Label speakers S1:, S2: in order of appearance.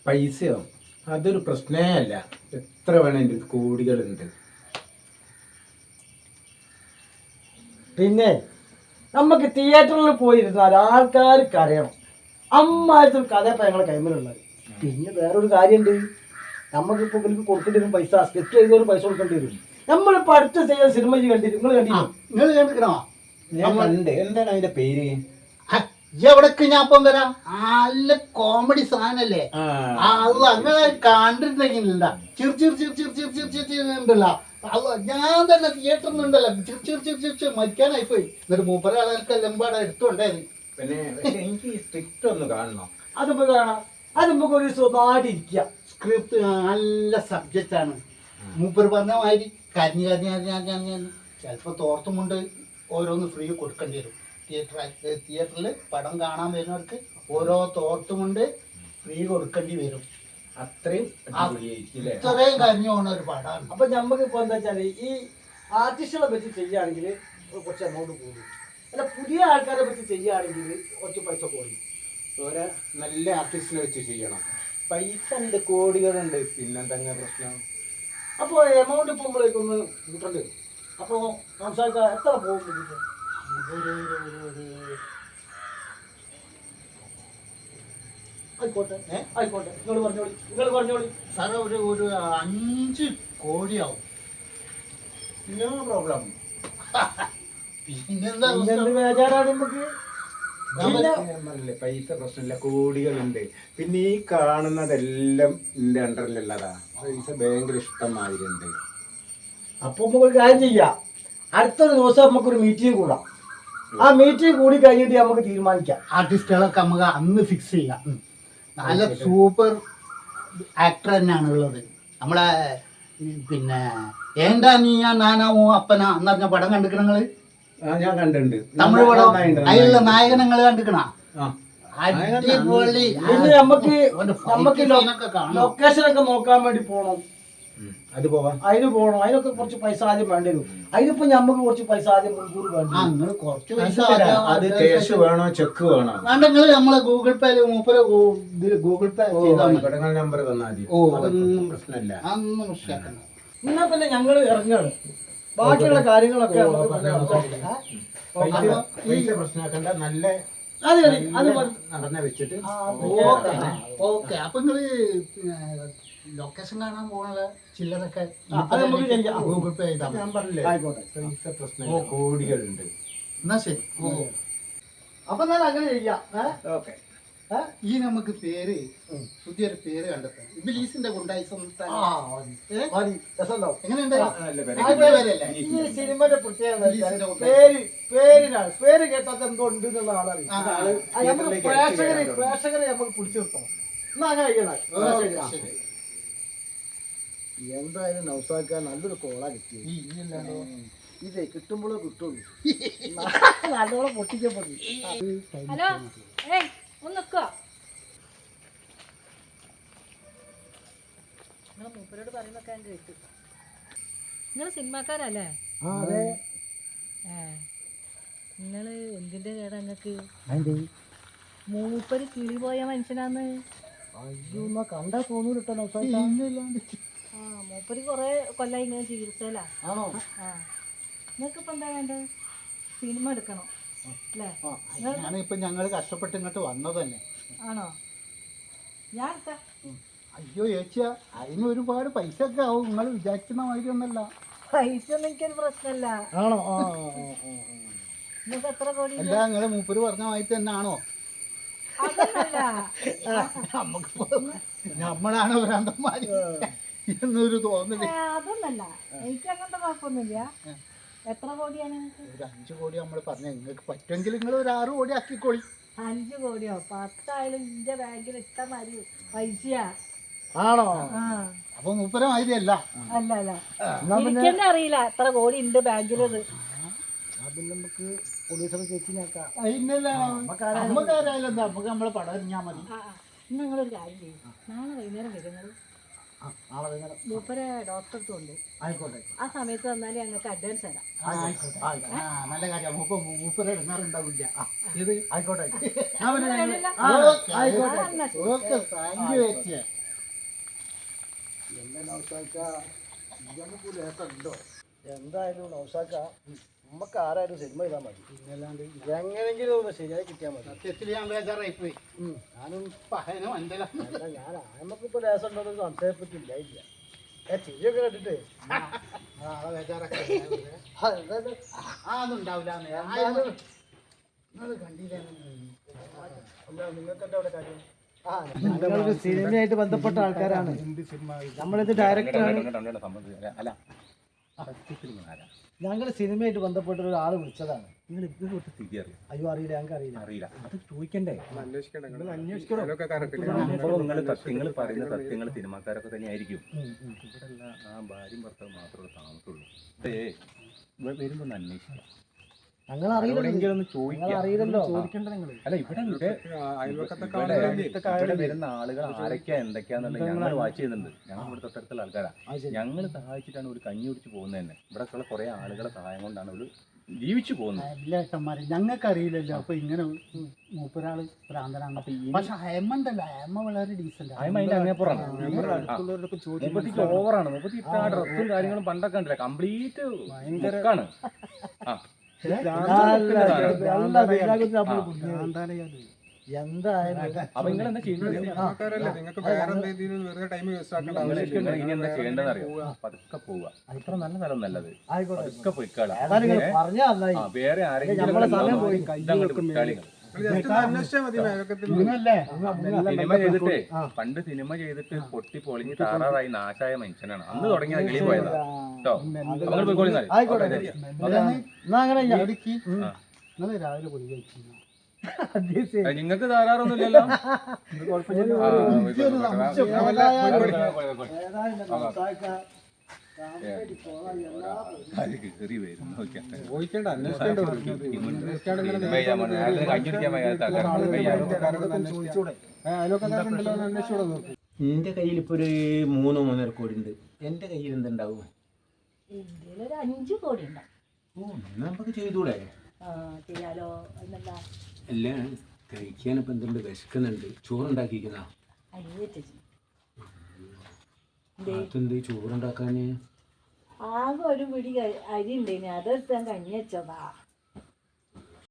S1: പൈസയോ അതൊരു പ്രശ്നേ അല്ല. എത്ര വേണമെങ്കിൽ കോടികളുണ്ട്.
S2: പിന്നെ നമുക്ക് തിയേറ്ററിൽ പോയിരുന്നാൽ ആൾക്കാർ കരയണം. അമ്മായിരത്തിൽ കഥ ഇപ്പം ഞങ്ങളെ കൈമലുള്ളത്. പിന്നെ വേറൊരു കാര്യമുണ്ട്, നമുക്കിപ്പോൾ ഇവർക്ക് കൊടുക്കേണ്ടി വരും പൈസ. സ്കെച്ച് ചെയ്തവരും പൈസ കൊടുക്കേണ്ടി വരും. നമ്മളിപ്പോൾ അടുത്ത ചെയ്യുന്ന സിനിമ കണ്ടിട്ട് നിങ്ങൾ
S3: കണ്ടിക്കണോ?
S1: ഞാൻ കണ്ട്. എന്താണ് അതിന്റെ പേര്?
S3: എവിടേക്ക് ഞാൻ ഇപ്പം വരാം. നല്ല കോമഡി സാധനല്ലേ അത്. അങ്ങനെ കണ്ടിട്ടുണ്ടെങ്കിലല്ല ചിർ ചിർ ചിർ ചിർ ചിർ ചിർ ചിർ ചിർ ഉണ്ടല്ലോ. ഞാൻ തന്നെ തിയേറ്ററിൽ നിന്നുണ്ടല്ലോ ചിർ ചിർ ചിർ ചിർ ചിർ മരിക്കാനായി പോയി. എന്നിട്ട് മൂപ്പര ആളുകൾക്ക് എമ്പാടെ എടുത്തുകൊണ്ടേത്.
S1: പിന്നെ എനിക്ക് സ്ക്രിപ്റ്റ് ഒന്ന് കാണണം.
S2: അതിപ്പോൾ കാണാം. അത് നമുക്ക് ഒരു സ്വന്തമായിട്ടിരിക്കുക.
S3: സ്ക്രിപ്റ്റ് നല്ല സബ്ജക്റ്റ് ആണ്. മൂപ്പർ പറഞ്ഞ മാതിരി കരഞ്ഞ് കരഞ്ഞ് കരഞ്ഞ് കരഞ്ഞ് കരഞ്ഞ് ചിലപ്പോൾ തോർത്തുമുണ്ട് ഓരോന്ന് ഫ്രീ കൊടുക്കേണ്ടി വരും. തിയേറ്ററിൽ പടം കാണാൻ വരുന്നവർക്ക് ഓരോ തോർത്തുമുണ്ട് ഫ്രീ കൊടുക്കേണ്ടി വരും.
S1: അത്രയും
S3: ഇത്രയും കരഞ്ഞു പോകുന്ന ഒരു പടമാണ്.
S2: അപ്പം നമുക്കിപ്പോൾ എന്താ വെച്ചാൽ ഈ ആർട്ടിസ്റ്റുകളെ പറ്റി ചെയ്യുകയാണെങ്കിൽ കുറച്ച് എമൗണ്ട് കൂടും. അല്ല പുതിയ ആൾക്കാരെ പറ്റി ചെയ്യുകയാണെങ്കിൽ കുറച്ച് പൈസ കൂടും.
S1: ഓരോ നല്ല ആർട്ടിസ്റ്റിനെ വെച്ച് ചെയ്യണം. പൈസ ഉണ്ട്, കോടികളുണ്ട്. പിന്നെന്തെങ്കിലും പ്രശ്നം.
S2: അപ്പോൾ എമൗണ്ട് ഇപ്പോൾ നമ്മളേക്കൊന്ന് കൂട്ടേണ്ടി വരും. അപ്പോൾ സംസാരിക്കാൻ എത്ര പോകും? ആയിക്കോട്ടെ ആയിക്കോട്ടെ, നിങ്ങൾ പറഞ്ഞോളി
S3: സാറേ ഒരു 5 കോടിയാവും.
S1: No problem.
S3: പിന്നെന്താ
S2: ബേജാറാണ് നമുക്ക്.
S1: പൈസ പ്രശ്നമില്ല, കോടികളുണ്ട്. പിന്നെ ഈ കാണുന്നതെല്ലാം എന്റെ അണ്ടറിലുള്ളതാ. പൈസ ഭയങ്കര ഇഷ്ടമാതിരിണ്ട്.
S2: അപ്പൊ നമുക്കൊരു കാര്യം ചെയ്യാം. അടുത്തൊരു ദിവസം നമുക്കൊരു മീറ്റിംഗ് കൂടാം. ആ മീറ്റിംഗ് കൂടി കഴിഞ്ഞിട്ട് നമുക്ക് തീരുമാനിക്കാം.
S3: ആർട്ടിസ്റ്റുകളൊക്കെ നമുക്ക് അന്ന് ഫിക്സ് ചെയ്യാം. നല്ല സൂപ്പർ ആക്ടർ തന്നെയാണ് ഉള്ളത്. നമ്മളെ പിന്നെ ഏണ്ടാ നീയാ നാനാമോ അപ്പനാ എന്ന് പറഞ്ഞ പടം കണ്ടിക്കണ നിങ്ങള്?
S1: ഞാൻ കണ്ടിട്ടുണ്ട്.
S3: തമിഴ് പടം. അതിലുള്ള നായകൻ നിങ്ങൾ കണ്ടിക്കണ? അടിപൊളി.
S2: പിന്നെ നമുക്ക് ലൊക്കേഷനൊക്കെ നോക്കാൻ വേണ്ടി പോകണം.
S1: അത് പോവാം.
S2: അതിന് പോകണം. അതിനൊക്കെ കുറച്ച് പൈസ ആദ്യം വേണ്ടി വരും. അതിനിപ്പോ നമുക്ക് കുറച്ച് പൈസ ആദ്യം മുൻകൂർ വേണ്ടി.
S3: കുറച്ച് പൈസ
S1: അത് ക്യാഷ് വേണോ ചെക്ക് വേണോ?
S3: വേണ്ട, നിങ്ങള് നമ്മളെ ഗൂഗിൾ പേയില് മൂപ്പര് ഗൂഗിൾ പേ
S1: നമ്പർ തന്നാൽ മതി. അതൊന്നും പ്രശ്നമില്ല.
S3: അതൊന്നും പ്രശ്നമില്ല.
S2: എന്നാ പിന്നെ ഞങ്ങള് ഇറങ്ങാണ്. ബാക്കിയുള്ള കാര്യങ്ങളൊക്കെ
S1: പൈസ പ്രശ്നമാക്കണ്ട. നല്ല നടന്ന വെച്ചിട്ട്
S3: ഓക്കെ. അപ്പൊ നിങ്ങള് ലൊക്കേഷൻ കാണാൻ പോകണ ചില്ലറൊക്കെ ഗൂഗിൾ പേ ചെയ്താൽ
S1: ഞാൻ പറഞ്ഞില്ലേ, പൈസ പ്രശ്നമില്ല, കോടികളുണ്ട്.
S3: എന്നാ ശരി.
S2: അപ്പൊ ഞാൻ അങ്ങനെ ചെയ്യാം.
S1: ഓക്കെ.
S3: ഈ നമുക്ക് പേര് പുതിയൊരു പേര് കണ്ടെത്താം. ഇബിലീസിന്റെ ഗുണ്ടായിസം. എങ്ങനെയുണ്ട്?
S2: ഈ സിനിമയുടെ പ്രത്യേകത പേര് കേട്ടാൽ എന്തോ ഉണ്ട് എന്നുള്ള ആളറിയാം. പ്രേക്ഷകരെ നമുക്ക് പിടിച്ചു നിർത്തണം. എന്നാ അങ്ങനെ കഴിയണം. എന്തായാലും നൗസാക്കാൻ നല്ലൊരു കോളാ കിട്ടിയത്. ഇതേ കിട്ടുമ്പോഴേ കിട്ടുള്ളൂ. നല്ലോണം പൊട്ടിക്കപ്പെടും.
S4: ഹലോ, ഒന്ന് നിൽക്കുക. നിങ്ങൾ മൂപ്പരോട് പറയുന്നൊക്കെ ഞാൻ കേട്ടു. നിങ്ങൾ സിനിമാക്കാരല്ലേ?
S2: അതെ.
S4: നിങ്ങൾ എന്തിന്റെ കേടാ നിങ്ങൾക്ക്? മൂപ്പര് കിളി പോയ മനുഷ്യനാന്ന്.
S2: അയ്യോ, കണ്ടാ തോന്നൂല കേട്ടോ നൗസാക്ക.
S4: മൂപ്പര് കൊറേ കൊല്ലായി ഇങ്ങനെ ചികിത്സയിലാ.
S2: ആണോ?
S4: നിങ്ങൾക്കിപ്പോ എന്താ വേണ്ടത്? സിനിമ എടുക്കണം അല്ലേ?
S3: ഞാനിപ്പോ ഞങ്ങള് കഷ്ടപ്പെട്ട് ഇങ്ങോട്ട് വന്നത് തന്നെ.
S4: ആണോ? ഞാൻ എടുക്കാം.
S3: അയ്യോ ചേച്ചിയാ, അതിന് ഒരുപാട് പൈസ ഒക്കെ ആവും. നിങ്ങൾ വിചാരിക്കുന്ന മാതിരി ഒന്നല്ല.
S4: പൈസ ഒന്നും എനിക്കൊരു പ്രശ്നമല്ല.
S2: ആണോ?
S4: നിങ്ങൾക്ക് എത്ര കോടി?
S3: അല്ല, നിങ്ങള് മൂപ്പര് പറഞ്ഞ മാതിരി തന്നെ ആണോ? നമ്മളാണ് ഭ്രാന്തന്മാര് എന്നൊരു തോന്നല്.
S4: അതൊന്നല്ല, എനിക്ക് അങ്ങനത്തെ കുഴപ്പമൊന്നുമില്ല. എത്ര കോടിയാണ്?
S3: ഒരു 5 കോടി നമ്മൾ പറഞ്ഞ. നിങ്ങൾക്ക് പറ്റുമെങ്കിൽ നിങ്ങൾ ഒരു 6 കോടി ആക്കിക്കോളി.
S4: 5 കോടിയോ 10 ആയാലും എന്റെ ബാങ്കിൽ ഇഷ്ടം മാതിരി പൈസയാ.
S2: ആണോ?
S3: അപ്പൊ മൂപ്പര മാതിരി അല്ല.
S4: അല്ല അല്ല, എനിക്കെന്നെ അറിയില്ല എത്ര കോടി ഉണ്ട് ബാങ്കിലത്.
S2: നമുക്ക് പോലീസൊക്കെ ചേച്ചി നോക്കാം.
S3: നമുക്കാരായാലും എന്താ, നമുക്ക് നമ്മളെ പടം അറിഞ്ഞാൽ മതി.
S4: നിങ്ങളൊരു കാര്യം ചെയ്യും, നാളെ വൈകുന്നേരം വരുന്നത് മൂപ്പരെ ഡോക്ടർ അടുത്ത് കൊണ്ട്.
S2: ആയിക്കോട്ടെ.
S4: ആ സമയത്ത് വന്നാലേ ഞങ്ങൾക്ക് അഡ്വാൻസ് തരാം.
S3: നല്ല കാര്യം. മൂപ്പര ഇടങ്ങാറുണ്ടാവില്ല.
S2: ആയിക്കോട്ടെ.
S3: ഓക്കെ, താങ്ക് യു ചേച്ചി.
S2: എന്താ നൗസാക്ക നമുക്ക് ലേക്കുണ്ടോ? എന്തായാലും നൗസാക്ക നമുക്ക് ആരായാലും സിനിമ ചെയ്താൽ മതി.
S3: പിന്നല്ലാണ്ട്
S2: എങ്ങനെങ്കിലും ഒന്ന് ശരിയായി കിട്ടിയാൽ മതി.
S3: സത്യത്തിൽ ഞാൻ ബേജാറായിപ്പോയി. ഞാനും പഹനും എന്തല്ല
S2: അല്ല ഞാൻ നമുക്കിപ്പോൾ ലേസം ഉണ്ടോ സംശയപ്പെട്ടില്ല ഇല്ല. ചിരിയൊക്കെ കേട്ടിട്ട്
S3: ആളെ ബേജാറൊക്കെ അതൊന്നുണ്ടാവില്ല.
S2: ഞങ്ങൾക്ക് സിനിമയായിട്ട് ബന്ധപ്പെട്ട ആൾക്കാരാണ്. നമ്മളിത് ഡയറക്ടറാണ്. ഞങ്ങൾ സിനിമയായിട്ട് ബന്ധപ്പെട്ട ഒരാൾ വിളിച്ചതാണ്. അയ്യോ അറിയില്ല, ഞങ്ങൾക്ക് അറിയില്ല.
S5: അത് ചോദിക്കണ്ടേ? നിങ്ങൾ പറയുന്ന സത്യങ്ങൾ സിനിമാക്കാരൊക്കെ തന്നെ ആയിരിക്കും. ഇവിടെയുള്ള ആ ഭാര്യയും ഭർത്താവ് മാത്രമേ താമസമുള്ളൂ. വരുമ്പോ ഒന്ന് അന്വേഷിക്കാം.
S2: ഞങ്ങൾ അറിയില്ലല്ലോ.
S5: അല്ല ഇവിടെ വരുന്ന ആളുകൾ ആരൊക്കെയാ എന്തൊക്കെയാന്നുള്ളത് ഞങ്ങൾ വാച്ച് ചെയ്യുന്നുണ്ട്. ഞങ്ങൾ ഇവിടെ തൊട്ടടുത്തുള്ള ആൾക്കാരാ. ഞങ്ങൾ സഹായിച്ചിട്ടാണ് ഒരു കഞ്ഞി കുടിച്ച് പോകുന്നത് തന്നെ. ഇവിടെ കുറെ ആളുകളെ സഹായം കൊണ്ടാണ് ഒരു ജീവിച്ചു പോകുന്നത്.
S3: എല്ലാ ഏട്ടന്മാരെ ഞങ്ങൾക്ക് അറിയില്ലല്ലോ. അപ്പൊ ഇങ്ങനെ മൂപ്പരാള് ഭ്രാന്തനാണ്. പക്ഷെ അയമ്മണ്ടല്ല, അയമ്മ വളരെ ഡീസന്റ്.
S5: അതിന്റെ അങ്ങേപ്പുറമാണ്. ഓവറാണ്. മുപ്പത്തി ആ ഡ്രസ്സും കാര്യങ്ങളും പണ്ടൊക്കെ ഉണ്ടല്ലേ, കംപ്ലീറ്റ് ഭയങ്കരമാണ്.
S2: എന്തായാലും
S5: അപ്പൊ നിങ്ങൾ എന്താ ചെയ്യുന്നത്? ഇനി എന്താ ചെയ്യേണ്ടതെന്ന് അറിയോ? പതുക്കെ പോവുക. അത്ര നല്ല സ്ഥലം നല്ലത്. പതുക്കെ പോയിക്കാളാ. വേറെ ആരെങ്കിലും സിനിമ ചെയ്തിട്ടേ പണ്ട് സിനിമ ചെയ്തിട്ട് പൊട്ടി പൊളിഞ്ഞ് താറാറായി നാശായ മനുഷ്യനാണ്. അന്ന് തുടങ്ങിയ കിളി പോയതാ കേട്ടോ. നമ്മൾ പോയിക്കോളി.
S3: നിങ്ങൾ രാവിലെ പോയി കഴിച്ചു.
S5: നിങ്ങൾക്ക് താറാറൊന്നുമില്ലല്ലോ. കയറി വരും.
S1: എന്റെ കയ്യിൽ ഇപ്പൊ ഒരു 3-3.5 കോടി ഉണ്ട്. എന്റെ കയ്യിൽ എന്തുണ്ടാവും?
S4: ഇന്ത്യയിൽ ഒരു 5 കോടി ഉണ്ടാവും.
S1: നമുക്ക് ചെയ്തൂടെ?
S4: ചെയ്യാലോ. എന്നെന്താ
S1: അല്ല കഴിക്കാനിപ്പോ എന്തുണ്ട്? വിശക്കുന്നുണ്ട്. ചോറുണ്ടാക്കിക്കുന്ന അതെന്ത് ചോറുണ്ടാക്കാന്?
S4: ആകെ ഒരു പിടി അരി ഉണ്ടേനി, അതെടുത്ത് ഞാൻ കഞ്ഞി വെച്ചതാ.